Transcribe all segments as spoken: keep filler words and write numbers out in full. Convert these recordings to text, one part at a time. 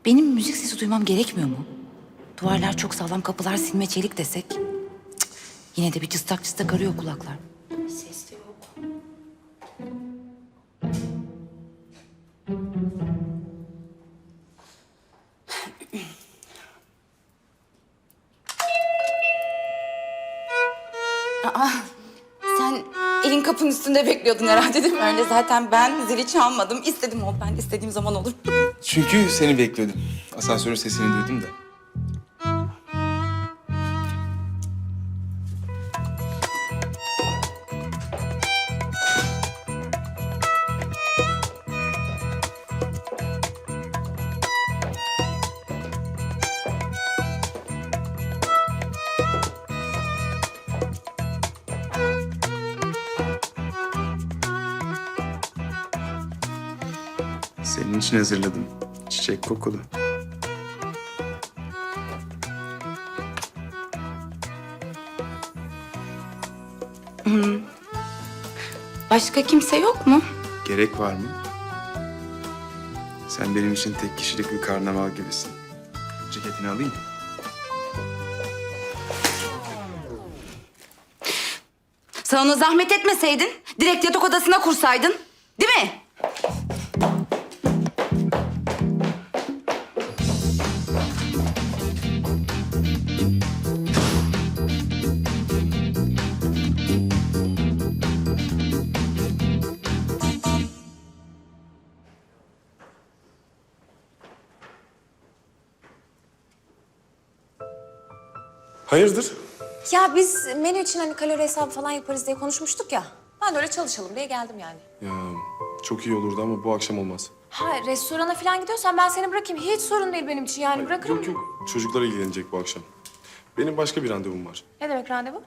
Benim müzik sesi duymam gerekmiyor mu? Duvarlar çok sağlam, kapılar silme çelik desek. Cık, yine de bir cıstak cıstak arıyor kulaklar. Ses de yok. Aa, sen elin kapının üstünde bekliyordun herhalde değil mi? Öyle zaten ben zili çalmadım. İstedim oldu. Ben istediğim zaman olur. Çünkü seni bekliyordum. Asansörün sesini duydum da. Senin için hazırladım. Çiçek kokulu. Başka kimse yok mu? Gerek var mı? Sen benim için tek kişilik bir karnaval gibisin. Ceketini alayım mı? Sen ona zahmet etmeseydin, direkt yatak odasına kursaydın. Değil mi? Hayırdır? Ya biz menü için hani kalori hesabı falan yaparız diye konuşmuştuk ya. Ben de öyle çalışalım diye geldim yani. Ya çok iyi olurdu ama bu akşam olmaz. Ha restorana falan gidiyorsan ben seni bırakayım. Hiç sorun değil benim için yani bırakırım. Yok yok. Çocuklar ilgilenecek bu akşam. Benim başka bir randevum var. Ne demek randevu?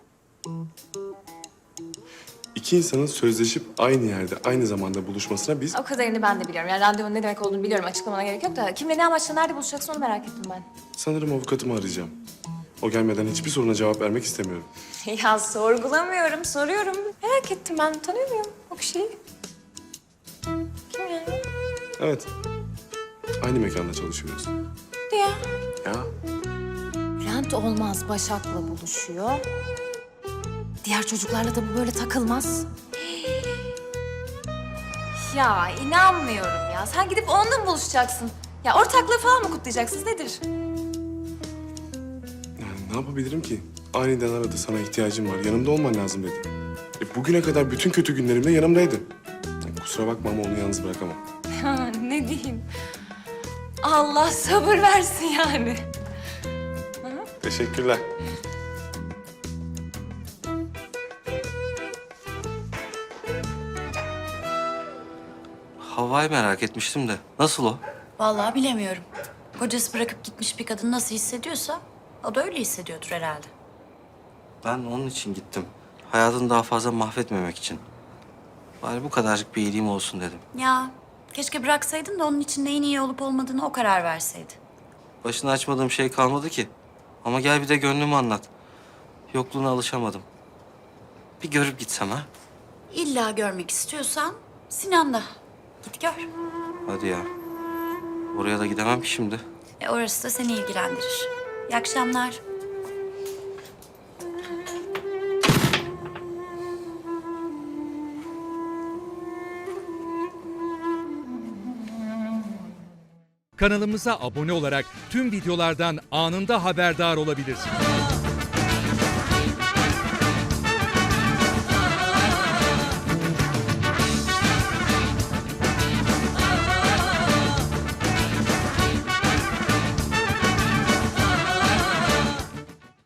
İki insanın sözleşip aynı yerde, aynı zamanda buluşmasına biz... O kadarını ben de biliyorum. Yani randevunun ne demek olduğunu biliyorum. Açıklamana gerek yok da kimle ne amaçla nerede buluşacaksın onu merak ettim ben. Sanırım avukatımı arayacağım. O gelmeden hiçbir soruna cevap vermek istemiyorum. Ya sorgulamıyorum, soruyorum. Merak ettim ben. Tanıyor muyum o kişiyi? Kim yani? Evet. Aynı mekanda çalışıyoruz. Diye. Ya Bülent Olmaz Başak'la buluşuyor. Diğer çocuklarla da bu böyle takılmaz. Ya inanmıyorum ya. Sen gidip onunla mı buluşacaksın? Ya ortaklığı falan mı kutlayacaksınız? Nedir? yani ne yapabilirim ki? Aniden aradı, sana ihtiyacım var. Yanımda olman lazım dedi. E, bugüne kadar bütün kötü günlerimde yanımdaydı. Yani kusura bakma ama onu yalnız bırakamam. Ha, ne diyeyim? Allah sabır versin yani. Teşekkürler. Havva'yı merak etmiştim de. Nasıl o? Vallahi bilemiyorum. Kocası bırakıp gitmiş bir kadın nasıl hissediyorsa o da öyle hissediyordur herhalde. Ben onun için gittim. Hayatını daha fazla mahvetmemek için. Bari bu kadarcık bir iyiliğim olsun dedim. Ya keşke bıraksaydın da onun için neyin iyi olup olmadığını o karar verseydi. Başını açmadığım şey kalmadı ki. Ama gel bir de gönlümü anlat. Yokluğuna alışamadım. Bir görüp gitsem ha? İlla görmek istiyorsan Sinan'da. Git gör. Hadi ya. Oraya da gidemem ki şimdi. E orası da seni ilgilendirir. İyi akşamlar. Kanalımıza abone olarak tüm videolardan anında haberdar olabilirsiniz.